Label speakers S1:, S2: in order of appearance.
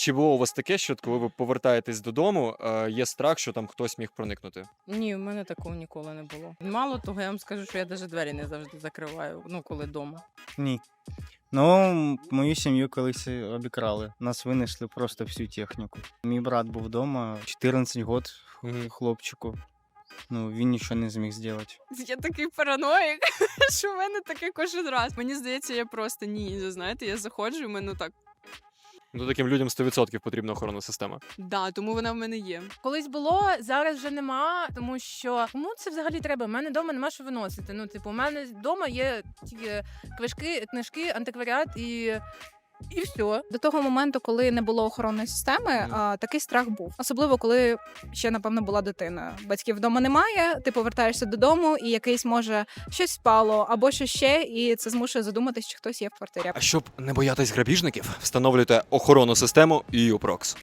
S1: Чи було у вас таке, що коли ви повертаєтесь додому, є страх, що там хтось міг проникнути?
S2: Ні, в мене такого ніколи не було. Мало того, я вам скажу, що я навіть двері не завжди закриваю, коли вдома.
S3: Ні. Ну, мою сім'ю колись обікрали. Нас винесли просто всю техніку. Мій брат був вдома, 14 років хлопчику. Ну, він нічого не зміг зробити.
S4: Я такий параноїк, що в мене таке кожен раз. Мені здається, я просто ніндзя, знаєте, я заходжу, і в мене так.
S1: Ну, таким людям 100% потрібна охоронна система.
S4: Да, тому вона в мене є.
S5: Колись було, зараз вже нема, тому що кому це взагалі треба? У мене вдома нема що виносити. Ну, типу, у мене вдома є тільки книжки, антикваріат і все.
S6: До того моменту, коли не було охоронної системи, такий страх був. Особливо, коли ще, напевно, була дитина. Батьків вдома немає, ти повертаєшся додому, і якийсь, може, щось спало, або що ще, і це змушує задуматись, чи хтось є в квартирі.
S1: А щоб не боятись грабіжників, встановлюйте охоронну систему EU Prox.